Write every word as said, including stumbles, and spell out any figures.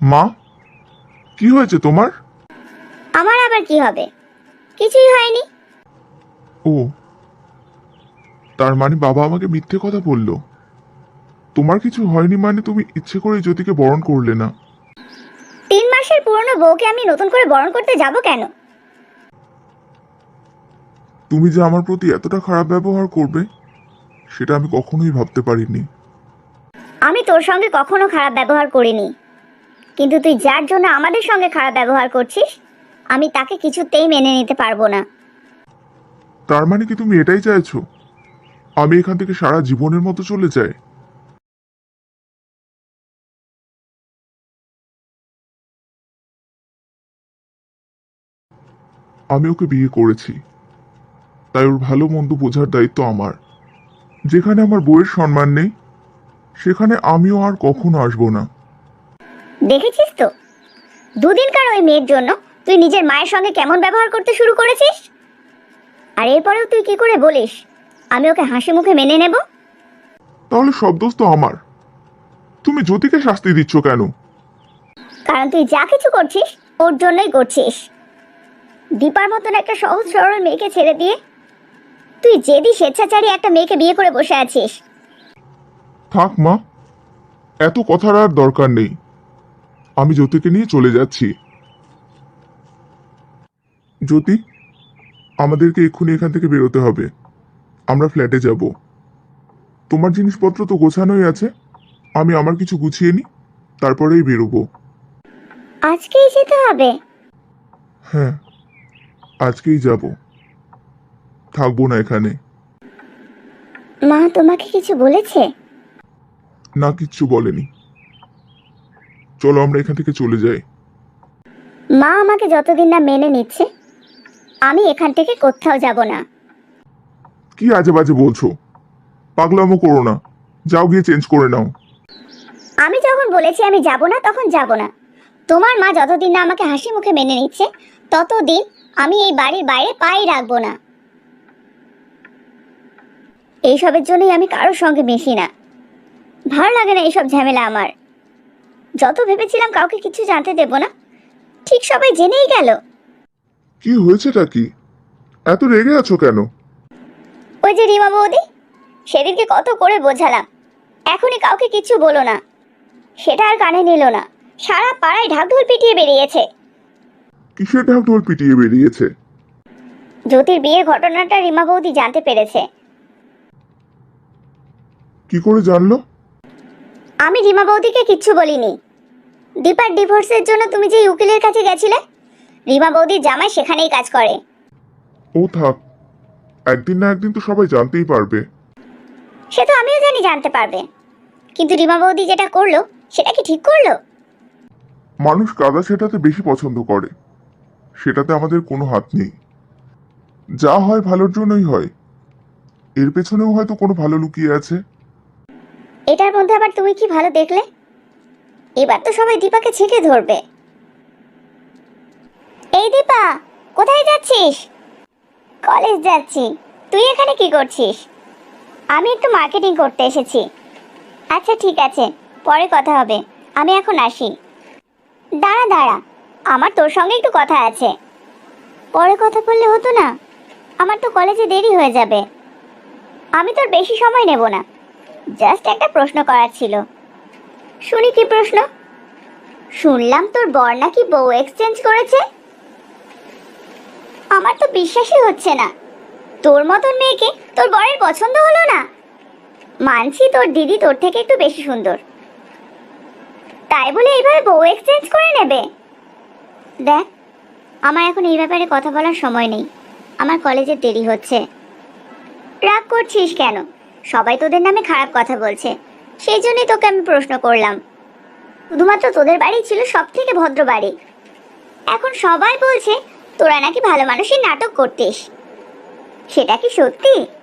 মা, কি হয়েছে তোমার? আমার আবার কি হবে? কিছুই হয়নি। ও, তার মানে বাবা আমাকে মিথ্যে কথা বললো। তোমার কিছু হয়নি মানে তুমি ইচ্ছে করে জ্যোতিকে বরণ করলে না? তিন মাসের পুরনো বউকে আমি নতুন করে বরণ করতে যাব কেন? তুমি যে আমার প্রতি এতটা খারাপ ব্যবহার করবে সেটা আমি কখনোই ভাবতে পারিনি। আমি তোর সঙ্গে কখনো খারাপ ব্যবহার করিনি, কিন্তু তুই যার জন্য আমাদের সঙ্গে খারাপ ব্যবহার করছিস আমি তাকে কিছুতেই মেনে নিতে পারবো না। তার মানে কি তুমি এটাই চাইছো আমি এখান থেকে সারা জীবনের মতো চলে যাই? আমি ওকে বিয়ে করেছি, তাই ওর ভালো মন্দ বোঝার দায়িত্ব আমার। যেখানে আমার বউয়ের সম্মান নেই সেখানে আমিও আর কখনো আসবো না। দেখেছিস তো, দুদিনকার ওই মেয়ের জন্য তুই নিজের মায়ের সঙ্গে কেমন ব্যবহার করতে শুরু করেছিস। আর এরপরেও তুই কি করে বলিস আমি ওকে হাসি মুখে মেনে নেব? তাহলে সব দোষ তো আমার। তুমি জ্যোতিকে শাস্তি দিচ্ছ কেন? কারণ তুই যা কিছু করছিস ওর জন্যই করছিস। দীপার মতন একটা সহজ সরল মেয়েকে ছেড়ে দিয়ে তুই জেদি স্বেচ্ছাচারী একটা মেয়েকে বিয়ে করে বসে আছিস। থাক মা, এত কথার আর দরকার নেই। আমি জ্যোতিকে নিয়ে চলে যাচ্ছি। জ্যোতি, আমাদেরকে এক্ষুনি এখান থেকে বেরোতে হবে। আমরা ফ্ল্যাটে যাব। তোমার জিনিসপত্র তো গোছানোই আছে, আমি আমার কিছু গুছিয়ে নিই, তারপরেই বেরোবো। আজকেই যেতে হবে? হ্যাঁ, আজকেই যাব, থাকবো না এখানে। মা তোমাকে কিছু বলেছে? না, কিচ্ছু বলেনি। চলো আমরা এখান থেকে চলে যাই। মা আমাকে যতদিন না মেনে নিচ্ছে আমি এখান থেকে কোথাও যাব না। কি আজে বাজে বলছো? পাগলামো করো না, যাও গিয়ে চেঞ্জ করে নাও। আমি যখন বলেছি আমি যাব না তখন যাব না। তোমার মা যতদিন না আমাকে হাসি মুখে মেনে নিচ্ছে ততদিন আমি এই বাড়ির বাইরে পাই রাখবো না। এইসবের জন্যই আমি কারোর সঙ্গে মিশি না। ভালো লাগে না এইসব ঝামেলা আমার। যত ভেবেছিলাম কাউকে কিছু জানতে দেব না, ঠিক সবাই জেনেই গেল। কি হয়েছেটা কি? এত রেগে আছো কেন? ওই যে রিমা বৌদি, সেদিনকে কত করে বোঝালাম এখনই কাউকে কিছু বলো না, সেটা আর কানে নিল না। সারা পাড়ায় ঢাকঢোল পিটিয়ে বেরিয়েছে। কিসের ঢাকঢোল পিটিয়ে বেরিয়েছে? জ্যোতির বিয়ের ঘটনাটা রিমা বৌদি জানতে পেরেছে। কি করে জানলো? আমি রিমা বৌদিকে কিচ্ছু বলিনি। দীপার ডিভোর্সের জন্য তুমি যে উকিলের কাছে গেছিলে, রিমা বৌদির জামাই সেখানেই কাজ করে। ও থাক, একদিন না একদিন তো সবাই জানতেই পারবে। সে তো আমিও জানি জানতে পারবে, কিন্তু রিমা বৌদি যেটা করলো সেটা কি ঠিক করলো? মানুষ কাদা সেটাতে বেশি পছন্দ করে, সেটাতে আমাদের কোনো হাত নেই। যা হয় ভালোর জন্যই হয়, এর পেছনেও হয়তো কোনো ভালো লুকিয়ে আছে। এটার মধ্যে আবার তুমি কি ভালো দেখলে? এবার তো সবাই দীপাকে ছেঁকে ধরবে। এই দীপা, কোথায় যাচ্ছিস? কলেজ যাচ্ছি। তুই এখানে কি করছিস? আমি একটু মার্কেটিং করতে এসেছি। আচ্ছা ঠিক আছে, পরে কথা হবে, আমি এখন আসি। দাঁড়া দাঁড়া, আমার তোর সঙ্গে একটু কথা আছে। পরে কথা বললে হতো না? আমার তো কলেজে দেরি হয়ে যাবে। আমি তোর বেশি সময় নেব না, জাস্ট একটা প্রশ্ন করার ছিল। শুনি কি প্রশ্ন? শুনলাম তোর বর নাকি বউ এক্সচেঞ্জ করেছে। আমার তো বিশ্বাসই হচ্ছে না। তোর মতন মেয়েকে তোর বরের পছন্দ হলো না? মানছি তোর দিদি তোর থেকে একটু বেশি সুন্দর, তাই বলে এইভাবে বউ এক্সচেঞ্জ করে নেবে? দেখ, আমার এখন এই ব্যাপারে কথা বলার সময় নেই, আমার কলেজে দেরি হচ্ছে। রাগ করছিস কেন? সবাই তোদের নামে খারাপ কথা বলছে, সেই জন্যই তোকে আমি প্রশ্ন করলাম। শুধুমাত্র তোদের বাড়ি ছিল সব থেকে ভদ্র বাড়ি, এখন সবাই বলছে তোরা নাকি ভালো মানুষের নাটক করতিস। সেটা কি সত্যি?